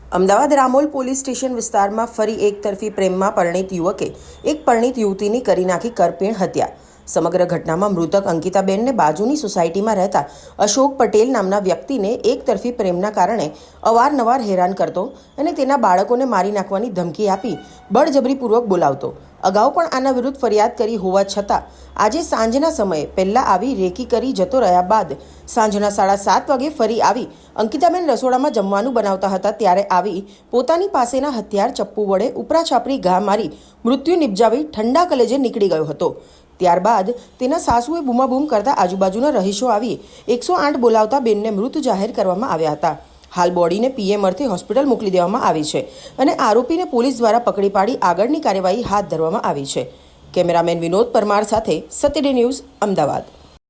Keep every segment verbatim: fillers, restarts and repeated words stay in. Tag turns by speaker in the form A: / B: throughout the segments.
A: Ahmedabad Ramol police station વિસ્તારમાં ફરી એક તરફી પ્રેમમાં પરિણીત યુવકે એક પરિણીત યુવતીની કરી નાખી કરપીણ હત્યા. સમગ્ર ઘટનામાં મૃતક અંકિતાબેનને બાજુની સોસાયટીમાં રહેતા અશોક પટેલ નામના વ્યક્તિને એક તરફી પ્રેમના કારણે અવારનવાર હેરાન કરતો અને તેના બાળકોને મારી નાખવાની ધમકી આપી બળજબરીપૂર્વક બોલાવતો. અગાઉ પણ આના વિરુદ્ધ ફરિયાદ કરી હોવા છતાં આજે સાંજના સમયે પહેલાં આવી રેકી કરી જતો રહ્યા બાદ સાંજના સાડા સાત વાગે ફરી આવી અંકિતાબેન રસોડામાં જમવાનું બનાવતા હતા ત્યારે આવી પોતાની પાસેના હથિયાર ચપ્પુ વડે ઉપરા છાપરી ઘા મારી મૃત્યુ નિપજાવી ઠંડા કલેજે નીકળી ગયો હતો. ત્યારબાદ તેના સાસુએ બૂમાબૂમ કરતા આજુબાજુના રહીશો આવી એકસો આઠ બોલાવતા બેનને મૃત જાહેર કરવામાં આવ્યા હતા. હાલ બોડીને પીએમ અર્થે હોસ્પિટલ મોકલી દેવામાં આવી છે અને આરોપીને પોલીસ દ્વારા પકડી પાડી આગળની કાર્યવાહી હાથ ધરવામાં આવી છે. કેમેરામેન વિનોદ પરમાર સાથે સત્યડે ન્યૂઝ, અમદાવાદ.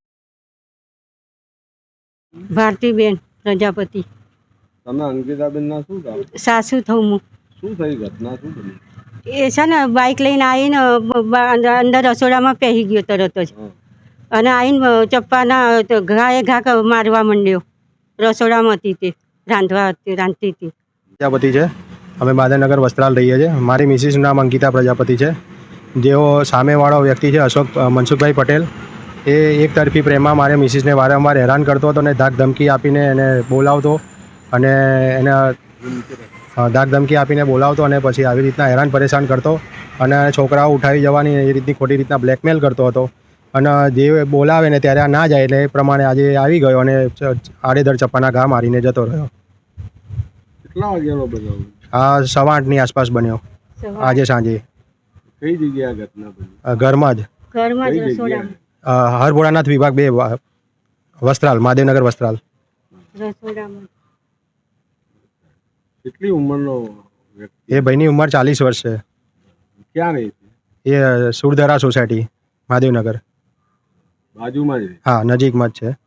B: ભારતીબેન પ્રજાપતિ.
C: તમે અંકિતાબેનના શું કામ?
B: સાસુ થઉં હું.
C: શું થઈ ઘટના શું બની?
B: એ છે ને બાઇક લઈને આવીને અંદર રસોડામાં પહેરી ગયો તરત જ અને આવીને ચપ્પાના ઘાએ ઘા મારવા માંડ્યો. રસોડામાં હતી તે રાંધવા રાંધતી હતી.
D: પ્રજાપતિ છે. અમે બાદરનગર વસ્ત્રાલ રહીએ છીએ. મારી મિસિસનું નામ અંકિતા પ્રજાપતિ છે. જેઓ સામેવાળો વ્યક્તિ છે અશોક મનસુખભાઈ પટેલ, એ એક તરફી પ્રેમમાં મારે મિસિસને વારંવાર હેરાન કરતો હતો અને ધાક ધમકી આપીને એને બોલાવતો અને એને ધાક ધમકી આપીને બોલાવતો અને પછી આવી રીતના હેરાન પરેશાન કરતો અને છોકરાઓ ઉઠાવી જવાની એ રીતની ખોટી રીતના બ્લેકમેલ કરતો હતો અને જે બોલાવે ને ત્યારે આ ના જાય એટલે એ પ્રમાણે આજે આવી ગયો અને આડેધડ ચપ્પાના ઘા મારીને જતો રહ્યો.
C: કેટલા વાગ્યાનો બનાવ?
D: આ સવા આઠની આસપાસ બન્યો આજે સાંજે.
C: કઈ જગ્યાએ ઘટના બની?
D: ઘરમાં જ
B: ઘરમાં જ
C: કઈ
B: રસોડામાં.
C: જગ્યાએ?
D: હરભોળાનાથ વિભાગ બે, વસ્ત્રાલ, મહાદેવનગર વસ્ત્રાલ.
B: રસોડામાં.
C: કેટલી ઉંમરનો વ્યક્તિ?
D: એ ભાઈની ઉંમર ચાલીસ વર્ષ છે.
C: ક્યાં રહે છે?
D: એ સુરધરા સોસાયટી, મહાદેવનગર.
C: બાજુમાં જ રહે?
D: હા, નજીકમાં જ છે.